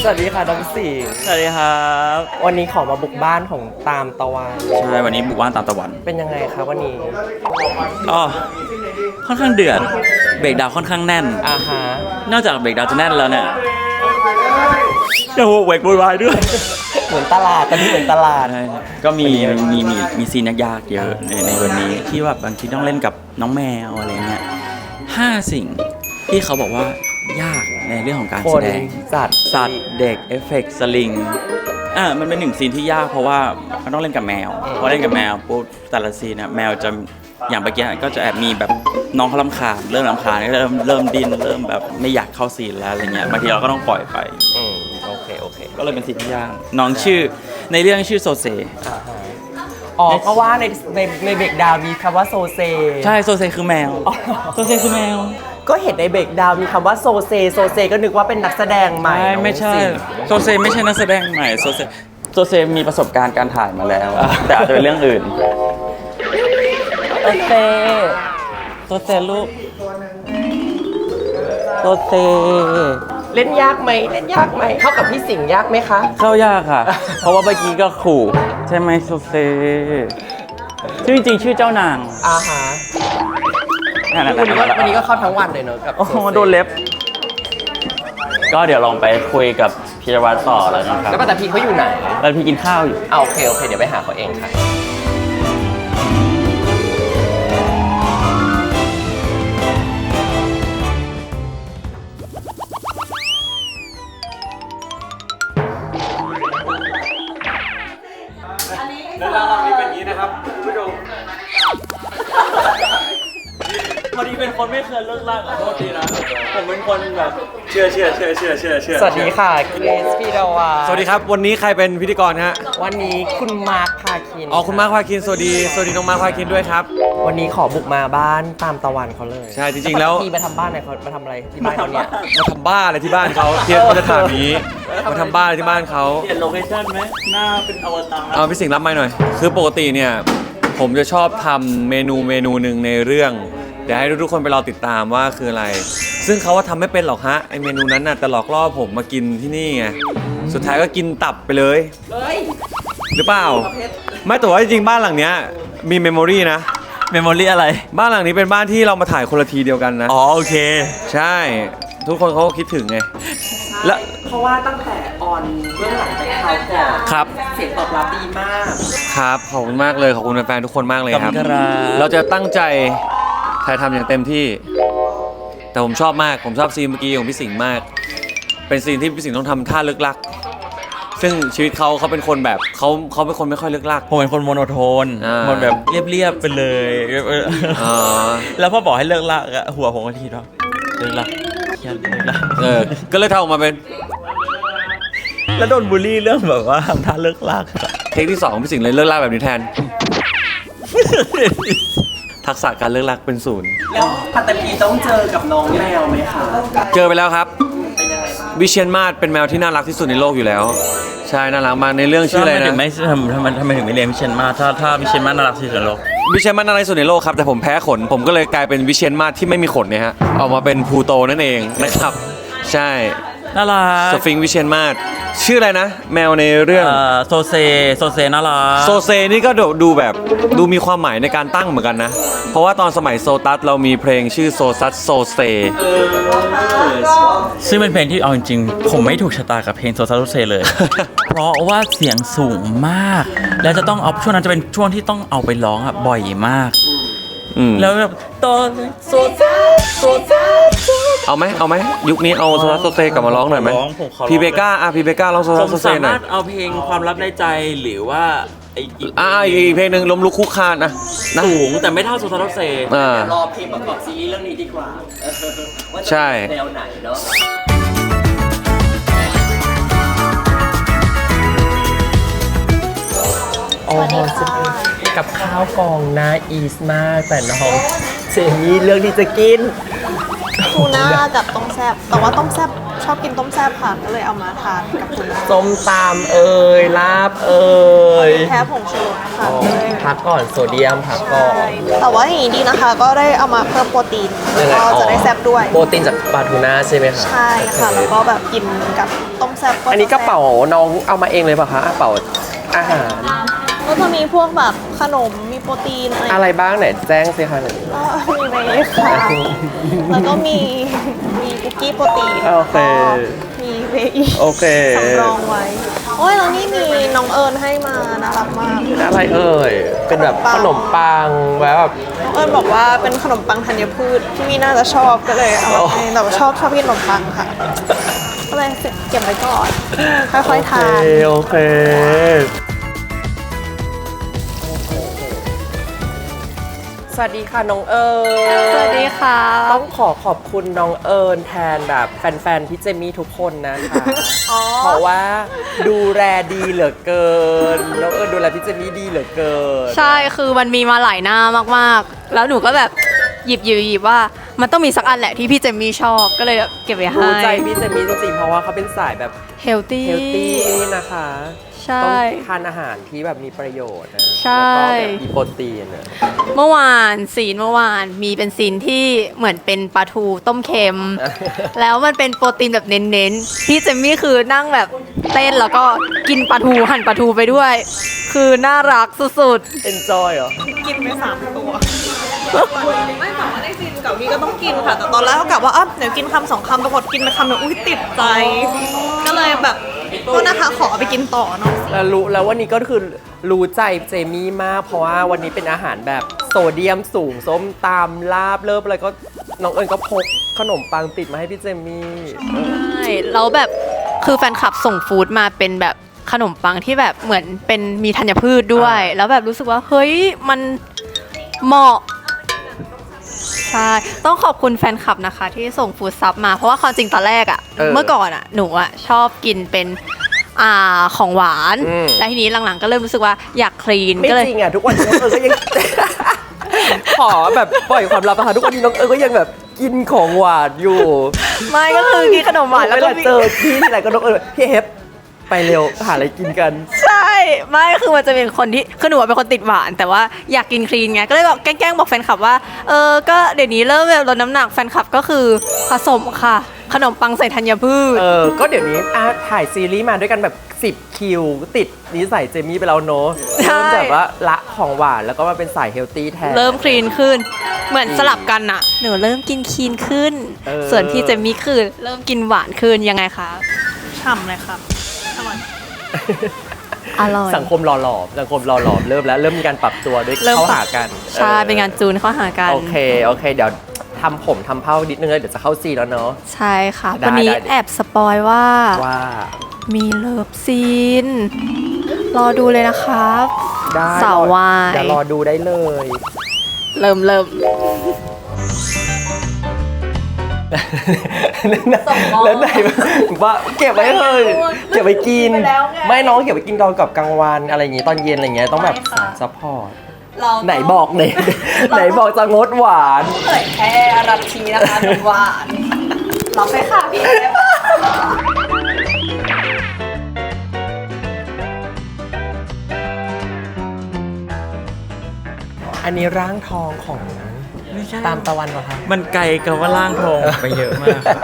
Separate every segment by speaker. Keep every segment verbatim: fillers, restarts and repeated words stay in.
Speaker 1: สวัสดีค่ะน้องสิงห์
Speaker 2: สวัสดีครับ
Speaker 1: วันนี้ขอมาบุกบ้านของตามตะวัน
Speaker 2: ใช่วันนี้บุกบ้านตามตะวัน
Speaker 1: เป็นยังไงครับวันนี้
Speaker 2: อ๋อค่อนข้างเดือดเบรกดาวค่อนข้างแน่น
Speaker 1: อ่าฮะ
Speaker 2: นอกจากเบรกดาวจะแน่นแล้วเนี่ยยังโวกเวกโวยวายด้วย
Speaker 1: เหมือนตลาดตอนนี้เหมือนตลาด
Speaker 2: ก็มีมีมีมีซีนยากๆเยอะในในวันนี้ที่แบบบางทีต้องเล่นกับน้องแมวอะไรเงี้ยห้าสิ่งที่เขาบอกว่ายากในเรื่องของการแสดง
Speaker 1: สัตว์
Speaker 2: สัตว์เด็กเอฟเฟกต์สลิงอ่ามันเป็นหนึ่งซีนที่ยากเพราะว่ามันต้องเล่นกับแมวพอเล่นกับแมวปุ๊บแต่ละซีนนะแมวจะอย่างเมื่อกี้ก็จะแอบมีแบบน้องเขารำคาญเริ่มรำคาญเริ่มเริ่มดิ้นเริ่มแบบไม่อยากเข้าซีนแล้วอะไรเงี้ยบางทีเราก็ต้องปล่อยไป
Speaker 1: อืมโอเคโอเค
Speaker 2: ก็เลยเป็นซีนที่ยากน้องชื่อในเรื่องชื่อโซเซ
Speaker 1: อ๋อก็ว่าในในในเบรกดาวมีคำว่าโซเซ
Speaker 2: ใช่โซเซคือแมวโซเซคือแมว
Speaker 1: ก็เห็นในเบรกดาวมีคำว่าโซเซโซเซก็นึกว่าเป็นนักแสดงใหม่
Speaker 2: ไม่ใช่โซเซไม่ใช่นักแสดงใหม่โซเซโซเซมีประสบการณ์การถ่ายมาแล้วแต่อาจจะเป็นเรื่องอื่น
Speaker 1: โซเซ
Speaker 2: โซเซลูกโซเซ
Speaker 1: เล่นยากไหมเล่นยากไหมเข้ากับพี่สิงห์ยากไหมคะ
Speaker 2: เข้ายากค่ะเพราะว่าเมื่อกี้ก็ขู่ใช่ไหมโซเซชื่อจริงชื่อเจ้านาง
Speaker 1: อ่าฮะวันนี้ก็วันนี้ก็เข้าทั้งวันเลยเนอะกับ
Speaker 2: โอ้โหโดนเล็บก็เดี๋ยวลองไปคุยกับพีรวัตรต่อแล้วนะครับ
Speaker 1: แล้วป้าแต่พี่เขาอยู่ไหน
Speaker 2: แล้วพี่กินข้าวอยู่
Speaker 1: อ่าโอเคโอเคเดี๋ยวไปหาเขาเองค่ะ
Speaker 3: เรื่องราวนี้เป็นอย่างนี้นะครับคุณผู้ชม
Speaker 2: พอดีเป็นคนไม่เคยเลิกลากขอโทษทีนะผมเป็นคนแบบเชื่อเชื่อเชื่อเชื่อเชื่อเชื่อ
Speaker 1: สวัสดีค่ะเกรซพีดาวา
Speaker 3: สวัสดีครับวันนี้ใครเป็นพิธีกรฮะ
Speaker 1: วันนี้คุณมาร์คพาคิน
Speaker 3: อ๋อคุณมาร์คพาคินสวัสดีสวัสดีน้องมาร์คพาคินด้วยครับ
Speaker 1: วันนี้ขอบุกมาบ้านตามตะวันเขาเลย
Speaker 3: ใช่จริงๆแล้ว
Speaker 1: พี่มาทำบ้านไหนเขามาทำอะไรที่บ้านเขาเนี่ย
Speaker 3: มาทำบ้านอะไรที่บ้านเขาเทียบมาตรฐานนี้มาทำบ้านอะไรที่บ้านเขา
Speaker 2: เปลี่ยนโลเคชั่นไหมหน้าเป็นอวตาร
Speaker 3: เอาพี่สิงห์รับไมค์หน่อยคือปกติเนี่ยผมจะชอบทำเมนูเมนูหนึ่งในเรื่องเดี๋ยวให้ทุกคนไปรอติดตามว่าคืออะไรซึ่งเขาว่าทำไม่เป็นหรอกฮะไอเมนูนั้นน่ะแต่หลอกล่อผมมากินที่นี่ไงสุดท้ายก็กินตับไปเลยหรือเปล่าไม่แต่ว่าจริงๆบ้านหลังเนี้ยมีเมมโมรีนะ
Speaker 2: เมมโมรี่อะไร
Speaker 3: บ้านหลังนี้เป็นบ้านที่เรามาถ่ายคนละทีเดียวกันนะ
Speaker 2: อ๋อโอเค
Speaker 3: ใช่ทุกคนเขาก็คิดถึงไง
Speaker 1: แล้วเพราะว่าตั้งแต่ออนเบื้องหลังไปเขาก่อน
Speaker 3: ครับ
Speaker 1: เสียงตอบรับดีมาก
Speaker 3: ครับขอบคุณมากเลยขอบคุณแฟนๆทุกคนมากเลยครับเราจะตั้งใจถ่ายทำอย่างเต็มที่แต่ผมชอบมากผมชอบซีนเมื่อกี้ของพี่สิงห์มากเป็นซีนที่พี่สิงห์ต้องทำท่าลึกลักซึ่งชีวิตเขาเขาเป็นคนแบบเขาเขาเป็นคนไม่ค่อยลึกลัก
Speaker 2: ผมเป็นคนโมโนโทนมันแบบเรียบๆไปเลยแล้วพอบอกให้เลิกลักหัวผมก็คิดว่าเลิกลักเลิกลัก
Speaker 3: เออก็เลยทำออกมาเป็น
Speaker 2: แล้วโดนบูลลี่เรื่องแบบว่าทำท่าเลิกลัก
Speaker 3: เทคที่สองพี่สิงห์เลยเลิกลักแบบนี้แทนทักษะการเลิกลักเป็นศูนย์
Speaker 1: แล้วพัตตีต้องเจอกับน้องแมวไหมคะ
Speaker 3: เจอไปแล้วครับวิเชียรมาศเป็นแมวที่น่ารักที่สุดในโลกอยู่แล้วใช่น่ารักมากในเรื่องชื่ออะไรนะ
Speaker 2: ทำไมถึงไม่ทำทำไมทำไมถึงไม่เลี้ยงวิเชียรมาศถ้าถ้าวิเชียรมาศน่ารักที่สุดในโลก
Speaker 3: วิเชียรมาศน่ารักที่สุดในโลกครับแต่ผมแพ้ขนผมก็เลยกลายเป็นวิเชียรมาศที่ไม่มีขนเนี่ยฮะออกมาเป็นพลูโตนั่นเองนะครับใช่
Speaker 2: น่ารัก
Speaker 3: สฟิงค์วิเชียรมาศชื่ออะไรนะแมวในเรื่อง
Speaker 2: โซเซโซเซน่ารัก
Speaker 3: โซเซนี่ก็ดูแบบดูมีความหมายในการตั้งเหมือนกันนะเพราะว่าตอนสมัยโซตัสเรามีเพลงชื่อโซซัสโซเซ
Speaker 2: ซึ่งเป็นเพลงที่เอาจริงๆผมไม่ถูกชะตากับเพลงโซซัสโซเซเลย เพราะว่าเสียงสูงมากแล้วจะต้องเอาช่วงนั้นจะเป็นช่วงที่ต้องเอาไปร้องอ่ะบ่อยมากแล้วแบบตอนโซซัสโซซัส
Speaker 3: เอาไหมเอาไหมยุคนี้เอาโซซัสโซเซกลับมาร้องหน่อยไหมพีเบก้าอ่ะพีเบก้าร้องโซซัสโซเซหน่อย
Speaker 2: ผมสามารถเอาเพลงความลับในใจหรือว่าไอ้อีก
Speaker 3: อ่าอีกเพลงหนึ่งล้มลุกคุกคานนะ
Speaker 2: สูงแต่ไม่เท่าโซซัสโซเซ
Speaker 1: อ่ารอเพลงประกอบซีรีส์เรื่องนี้ดีกว่า
Speaker 3: ใช่
Speaker 1: แนวไหนเนาะโอ้โหกับข้าวกองน่าอีสมากแต่น้องเจมี่เรื่องที่จะกิน
Speaker 4: ทูน่ากับต้มแซ่บแต่ว่าต้มแซ่บชอบกินต้มแซ่บค่ะก็เลยเอามาทานกับคุณแม่
Speaker 1: ส้มตำเอ่ยลาบเอ่ย
Speaker 4: แพ้ผงชูรสค่ะ
Speaker 1: อ๋อพักก่อนโซเดียมพักก่อน
Speaker 4: แต่ว่าอย่างนี้ดีนะคะ ก็ได้เอามาเพิ่มโปรตีน
Speaker 1: ยังไง
Speaker 4: ก็
Speaker 1: อ๋อ
Speaker 4: จะได้แซ่บด้วย
Speaker 1: โปรตีนจากปลาทูน่าใช่ไหมคะ
Speaker 4: ใช่ค่ะ แล้วก็แบบกินกับต้มแซ่บ
Speaker 1: อันนี้กระเป๋าน้องเอามาเองเลยป่ะคะกระเป๋าอาหาร
Speaker 4: ก็จะมีพวกแบบขนมมีโปรตีนอะไร
Speaker 1: อะไรบ้างไหนแจ้งสิคะหนึ่ง
Speaker 4: ก็มีเวย์ค่ะ แล้วก็มีมีคุกกี้โปรตีน
Speaker 1: โอเค
Speaker 4: มีเวย์อีก
Speaker 1: โอเค
Speaker 4: สำรองไว้ โอ้ยแล้วนี่มีน้องเอิญให้มาน่ารักมาก
Speaker 1: อะไรเอ่ยเป็นแบบขนมปังแบบ
Speaker 4: น้องเอิญบอกว่าเป็นขนมปังธัญพืชที่มีน่าจะชอบก็เลยเอามาให้แต่ว่าชอบชอบกินขนมปังค่ะ ก็เลยเก็บไว้ก่อน ค่อยๆทาน
Speaker 1: โอเค สวัสดีค่ะน้องเอิญ
Speaker 4: สวัสดีค่ะ
Speaker 1: ต้องขอขอบคุณน้องเอิญแทนแบบแฟนๆพี่เจมี่ทุกคนนะคะ
Speaker 4: อ๋อ
Speaker 1: เพราะว่าดูแลดีเหลือเกิน น้องเอิญดูแลพี่เจมี่ดีเหลือเกิน
Speaker 5: ใช่ คือมันมีมาหลายหน้ามากๆ แล้วหนูก็แบบหยิบหยิบหยิบว่ามันต้องมีสักอันแหละที่พี่เจมมี่ชอบ ก็เลยเก็บไว้ให้
Speaker 1: รู้ใจพี่เจมี่จริงๆ เพราะว่าเขาเป็นสายแบบ
Speaker 5: เฮลตี้
Speaker 1: เฮลตี้นะคะ
Speaker 5: ใช่
Speaker 1: ต้องทานอาหารที่แบบมีประโยชน์นะ
Speaker 5: ใช่
Speaker 1: แล้วก็แบบมีโปรตีนนะ
Speaker 5: เมื่อวานซีนเมื่อวานมีเป็นซีนที่เหมือนเป็นปลาทูต้มเค็ม แล้วมันเป็นโปรตีนแบบเน้นๆ พี่เจมมี่คือนั่งแบบเต้นแล้วก็กินปลาทูหั่นปลาทูไปด้วย คือน่ารักสุด
Speaker 1: enjoy เหรอ
Speaker 4: กินไปสามตัว ไม่แต่ว่าในซีนกับพี่ก็ต้องกินค่ะ แต่ตอนแรกก็กะว่าอ่ะเดี๋ยวกินคำสองคำปรากฏกินไปคำเดียวอุ้ยติดใจ ก็เลยแบบก็นะคะขอเอาไปกินต่อเนาะ
Speaker 1: แล้วรู้แล้ววันนี้ก็คือรู้ใจเจมี่มาก เพราะว่าวันนี้เป็นอาหารแบบโซเดียมสูงส้มตำลาบเลิบอะไรก็น้องเอิญก็พกขนมปังติดมาให้พี่เจมี่
Speaker 5: ๆ ใช่แล้วแบบคือแฟนคลับส่งฟู้ดมาเป็นแบบขนมปังที่แบบเหมือนเป็นมีธัญพืชด้วย แล้วแบบรู้สึกว่าเฮ้ยมันเหมาะ ใช่ ต้องขอบคุณแฟนคลับนะคะ ที่ส่งฟู้ดซับมา เพราะว่าความจริงตอนแรกอะ่ะ เมื่อก่อนอะ่ะ หนูอะ่ะชอบกินเป็นอ่าของหวาน แล้วทีนี้หลังๆก็เริ่มรู้สึกว่าอยากคลีน
Speaker 1: ไม่
Speaker 5: ก็เลย
Speaker 1: จริงอ่ะทุกวันนี้น้องเอิญก็ยัง ขอแบบปล่อยความลับนะคะทุกวันนี้น้องเอิญก็ยังแบบกินของหวานอยู่
Speaker 5: ไม่ก็คือกินขนมหวานแล้ว
Speaker 1: เว
Speaker 5: ก็
Speaker 1: ลา
Speaker 5: มี
Speaker 1: เจอพี่ที่ไหนก็น้องเอิญพี่เฮฟไปเร็วหาอะไรกินกัน
Speaker 5: ใช่ไม่คือมันจะเป็นคนที่คือหนูอะเป็นคนติดหวาน แต่ว่าอยากกินคลีนไงก็เลยบอกแกล้งๆบอกแฟนคลับว่าเออก็เดี๋ยวนี้เริ่มแบบลดน้ำหนักแฟนคลับก็คือผสมค่ะ ขนมปังใส่ธัญพืช
Speaker 1: เออ ก็เดี๋ยวนี้อ่ะถ่ายซีรีส์มาด้วยกันแบบสิบคิว ติดนิสัยเจมี่ไปแล้วเนอะ
Speaker 5: ใช่
Speaker 1: เริ่มแบบว่าละของหวานแล้วก็มาเป็นสายเฮลตี้แทน
Speaker 5: เริ่มคลีนขึ้น เหมือนสลับกันอะหนูเริ่มกินคลีนขึ้น
Speaker 1: เออ
Speaker 5: ส่วนพี่เจมมี่คือเริ่มกินหวานขึ้นยังไงคะ
Speaker 4: ฉ่ำเลยครับอร่อย
Speaker 5: อร่อย
Speaker 1: สังคมหล่อหลอมสังคมหล่อหลอมเริ่มแล้วเริ่มมีการปรับตัวด้วย
Speaker 5: เริ่ม
Speaker 1: เข้า
Speaker 5: ปรับ
Speaker 1: หากัน
Speaker 5: ใช่
Speaker 1: ออ
Speaker 5: เป็นงานจูนเข้าหากัน
Speaker 1: โอเค โอเค เดี๋ยวทำผมทำเผ้านิดนึงแล้วเดี๋ยวจะเข้าซีนแล้วเนาะ
Speaker 5: ใช่ค่ะ
Speaker 1: ได้
Speaker 5: วันนี้
Speaker 1: ได้
Speaker 5: แอบสปอยว่า
Speaker 1: ว่า
Speaker 5: มีเลิฟซีน รอดูเลยนะครับ
Speaker 1: ได้
Speaker 5: สาววาย
Speaker 1: เดี๋ยวรอดูได้เลย
Speaker 5: เริ่มเริ่ม
Speaker 1: แล้วไหนว่าเก็บไว้เลยเก็บไว้กิน ไม่น้องเก็บไว้กินตอนกับกลางวันอะไรอย่างงี้ตอนเย็นอะไรอย่างเงี้ยต้องแบบซัพพอร์ตไหนบอกไหนไหนบอกจะงดหวาน
Speaker 5: เผยแค่รัตทีนะคะหวานรับไปค่ะพี่
Speaker 1: อันนี้ร่างทองของตามตะวันเหรอคะ
Speaker 2: มันไกลกับว่าร่างทองไปเยอะมากครับ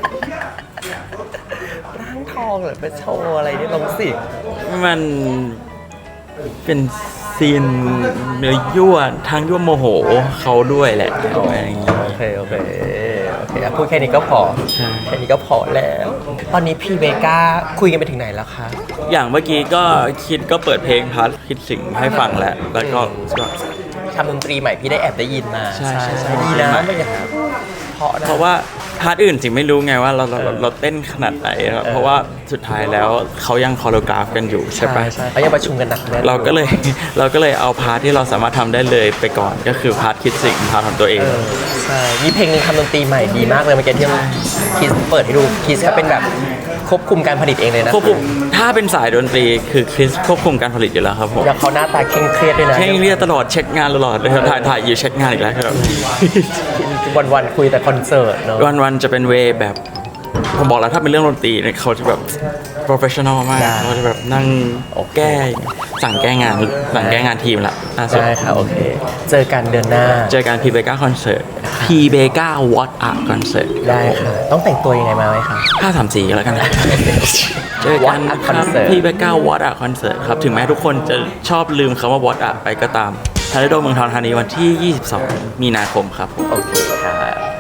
Speaker 1: ร่างทองเหรอไปโชว์อะไรนี่ลงสิ
Speaker 2: มันเป็นซีนเนื้อยั่วทางยั่วโมโหเขาด้วยแหละอะไรอย่างเงี้ย
Speaker 1: โอเคโอเคโอเคอ่ะพูดแค่นี้ก็พอ
Speaker 2: ใช่
Speaker 1: แค่นี้ก็พอแล้ว ตอนนี้พี่เบก้าคุยกันไปถึงไหนแล้วคะ
Speaker 2: อย่างเมื่อกี้ก็คิดก็เปิดเพลงพัดคิดสิ่งให้ฟังแล้วแล้วก็ก็
Speaker 1: ทำดนตรีใหม่พี่ได้แอบได้ยินมา
Speaker 2: ใช่ใช่ใช่
Speaker 1: ดีนะไม่อย่างเพราะนะ
Speaker 2: เพราะว่าพาร์ทอื่นจริงไม่รู้ไงว่าเราเราเราเราเต้นขนาดไหนครับเพราะว่าสุดท้ายแล้วเขายังคอโรกราฟกันอยู่ใช่ปะ
Speaker 1: ใช่เขายังประชุมกันหนักแน่น
Speaker 2: เราก็เลย เราก็เลยเอาพาร์ทที่เราสามารถทำได้เลยไปก่อนก็คือพาร์ทคิดสิ่งพาร์ทของตัวเอง
Speaker 1: เออใช่มีเพลงหนึงทำดนตรีใหม่ดีมากเลยเมื่อกี้ที่คิสเปิดให้ดูคิสเขาเป็นแบบควบคุมการผลิตเองเลยนะ
Speaker 2: ควบคุมถ้าเป็นสายดนตรีคือคริสควบคุมการผลิตอยู่แล้วครับผม
Speaker 1: แล้วเขาหน้าตาเคร่งเครียดด้วยนะ
Speaker 2: เช่งเรียกตลอดเช็คงานตลอดเลยครับถ่ายถ่ายอยู่เช็คงานอีกแล้วครับ
Speaker 1: วันวันๆคุยแต่คอนเสิร์ตเนาะ
Speaker 2: วันวันๆจะเป็นเวย์แบบผมบอกแล้วถ้าเป็นเรื่องดนตรีเนี่ยเขาจะแบบ professional มาก
Speaker 1: ได้
Speaker 2: เขาจะแบบนั่งแก้สั่งแก้งานสั่งแก้งานทีมละล่าสุด
Speaker 1: ได้ค่ะโอเค เจอกันเดือนหน้า
Speaker 2: เจอกันพีเบก้าคอนเสิร์ตพีเบก้าวอตอาร์คอนเสิร์ต
Speaker 1: ได้ค่ะ ต้องแต่งตัวยังไงมาไหมคะ
Speaker 2: ห้าสามสี่แล้วกันนะเจอกัน
Speaker 1: What Art
Speaker 2: ครับ
Speaker 1: Concert
Speaker 2: พีเบก้าวอตอาร์คอนเสิร์ตครับถึงแม้ทุกคนจะชอบลืมคำว่าวอตอาร์ไปก็ตามทาริโดเมืองทองธานีวันที่ยี่สิบสองมีนาคมครับผม
Speaker 1: โอเคค่ะ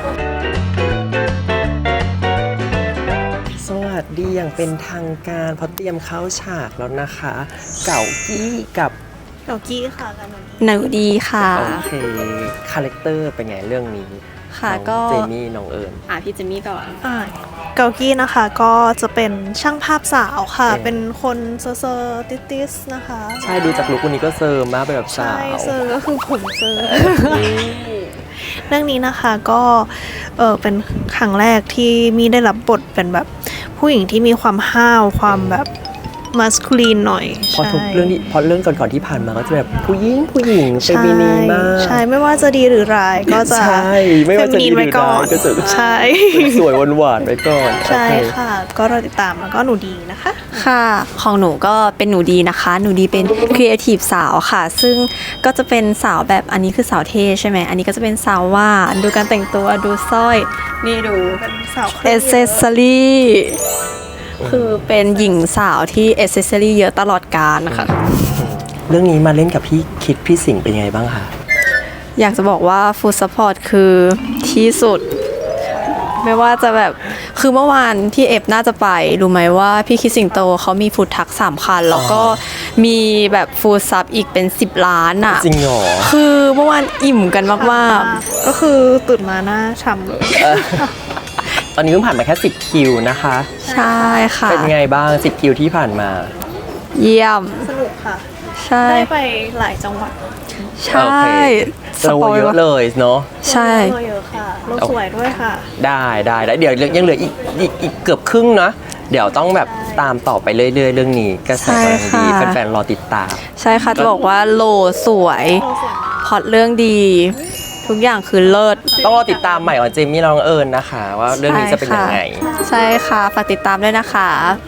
Speaker 1: สวัสดีอย่างเป็นทางการเพราะเตรียมเข้าฉากแล้วนะคะ เก่ากี้กับ
Speaker 4: เกากี้ค่ะกันวันนี้
Speaker 5: หนูดีค่ะ
Speaker 1: โอเคคาแรคเตอร์เป็นไงเรื่องนี้
Speaker 5: ค่ะ
Speaker 1: น้อง
Speaker 5: ก็
Speaker 1: เจมี่น้องเอิญ
Speaker 5: อ่ะพี่เจมี่ก่อน
Speaker 4: อ่าเกากี้นะคะก็จะเป็นช่างภาพสาวค่ะ
Speaker 1: เออ
Speaker 4: เป็นคนเซอร์เซอร์ติติสนะคะ
Speaker 1: ใช่ดูจากลุควันนี้ก็เซิร์มมากเป็นแบบสา
Speaker 4: ใช่
Speaker 1: ว
Speaker 4: เซอร์ก็คือผมเซอร์ เรื่องนี้นะคะก็เออเป็นครั้งแรกที่มีได้รับบทเป็นแบบผู้หญิงที่มีความห้าวความแบบมัสคูลีนหน่อย
Speaker 1: เพราะทุกเรื่องที่เพราะเรื่องก่อนๆที่ผ่านมาก็จะแบบผู้หญิงผู้หญิงเฟ
Speaker 4: ใช่
Speaker 1: มินีมาก
Speaker 4: ใช่ไม่ว่าจะดีหรือร้ายก็จะ
Speaker 1: ใช่ไม่ว่าจะดีหรือ
Speaker 4: เฟมินีนไว้ก่อน
Speaker 1: ร้ายก็จะ
Speaker 4: ใช่
Speaker 1: สวยๆหวานๆไปก่อน
Speaker 4: ใช่
Speaker 1: โอเค
Speaker 4: ค่ะ ก็รอติดตามแล้วก็หนูดีนะคะ
Speaker 5: ค่ะ ของหนูก็เป็นหนูดีนะคะ หนูดีเป็นครีเอทีฟสาวค่ะ ซึ่งก็จะเป็นสาวแบบอันนี้คือสาวเท่ใช่ไหม อันนี้ก็จะเป็นสาวว่าดูการแต่งตัวดูสร้อย นี่ดู
Speaker 4: เป็นสาว
Speaker 5: เอเซสซอรี่คือเป็นหญิงสาวที่เอเซสซอรี่เยอะตลอดกาลนะคะ
Speaker 1: เรื่องนี้มาเล่นกับพี่คิดพี่สิงห์เป็นยังไงบ้างคะ
Speaker 5: อยากจะบอกว่าฟู้ดซัพพอร์ตคือที่สุด ไม่ว่าจะแบบคือเมื่อวานที่เอฟน่าจะไป รู้ไหมว่าพี่คิดสิงโตเขามีฟู้ดทักสามคัน แล้วก็มีแบบฟู้ดซับอีกเป็นสิบล้านอ่ะ
Speaker 1: จริงเหรอ
Speaker 5: คือเมื่อวานอิ่มกันมาก
Speaker 4: ก็คือตื่นมาหน้าฉ่ำเลย
Speaker 1: เออตอนนี้เพิ่งผ่านมาแค่สิบคิวนะคะ
Speaker 5: ๆ ใช่ค่ะ
Speaker 1: เป็นยังไงบ้างสิบคิวที่ผ่านมา
Speaker 5: เยี่ยม
Speaker 4: สนุกค่ะ
Speaker 5: ใช่
Speaker 4: ได้ไปหลายจังหวัด
Speaker 5: ใช่
Speaker 1: โอเคเราเยอะเลยเนาะ
Speaker 5: ใช่
Speaker 4: เยอะค่ะโลกสวยด้วยค่ะ
Speaker 1: ได้ได้ได้เดี๋ยวยังเหลืออีกอีกอีกเกือบครึ่งนะเดี๋ยวต้องแบบตามต่อไปเรื่อยๆ เรื่องนี้กระแสกำลังดีแฟนๆรอติดตาม
Speaker 5: ใช่ค่ะจะบอกว่าโลสวยพล็อตเรื่องดี ทุกอย่างคือเลิศ
Speaker 1: ต้องรอติดตามใหม่ของเจมี่น้องเอิญนะคะ ว่าเรื่องนี้จะเป็นยังไง
Speaker 5: ใช่ค่ะฝากติดตามด้วยนะคะ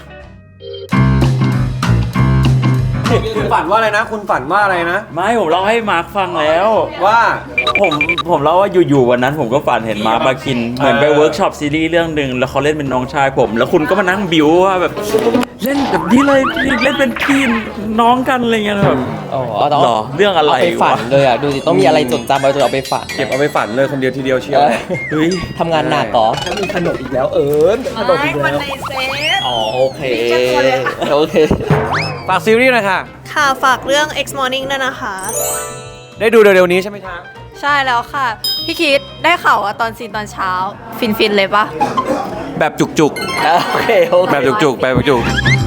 Speaker 3: คุณฝันว่าอะไรนะ คุณฝันว่าอะไรนะ
Speaker 2: ไม่ผมเล่าให้มาร์คฟังแล้ว
Speaker 3: ว่า
Speaker 2: ผมผมเล่าว่าอยู่ๆวันนั้นผมก็ฝันเห็นมาร์คมาคินเหมือนไปเวิร์กช็อปซีรีส์เรื่องหนึ่งแล้วเขาเล่นเป็นน้องชายผม แล้วคุณก็มานั่งบิวว่าแบบเล่นแบบนี้เลยเล่นเป็นพี่น้องกันอะไรเงี้ยแบบ
Speaker 1: อ๋อต้อง
Speaker 2: หรอเรื่องอะไร
Speaker 1: เอาไปฝัน
Speaker 2: วะ
Speaker 1: เลยอ่ะ ดูสิ ต้องมีอะไรจดจำเอาจะเอาไปฝัน
Speaker 3: เก็บเอาไปฝันเลยคนเดียวทีเดียวเชียว
Speaker 1: เออ
Speaker 2: เฮ้ย
Speaker 1: ทำงานหนักเหรอถ้ามีขนมอีกแล้วเอิญขนมอีกแล้ว อ๋อ โอเค โอเค
Speaker 3: ฝากซีรีส์หน่อยค่ะ
Speaker 4: ค่ะฝากเรื่อง X Morning ด้วยนะคะ
Speaker 3: ได้ดูเร็วๆนี้ใช่ไหมคะ
Speaker 5: ใช่แล้วค่ะ พี่คิดได้ข่าวว่าตอนซีนตอนเช้า ฟินฟินๆเลยปะ
Speaker 2: แบบจุก
Speaker 1: โอเค โอ
Speaker 2: ๆ
Speaker 1: เค
Speaker 2: แบบจุกๆแบบจุกๆ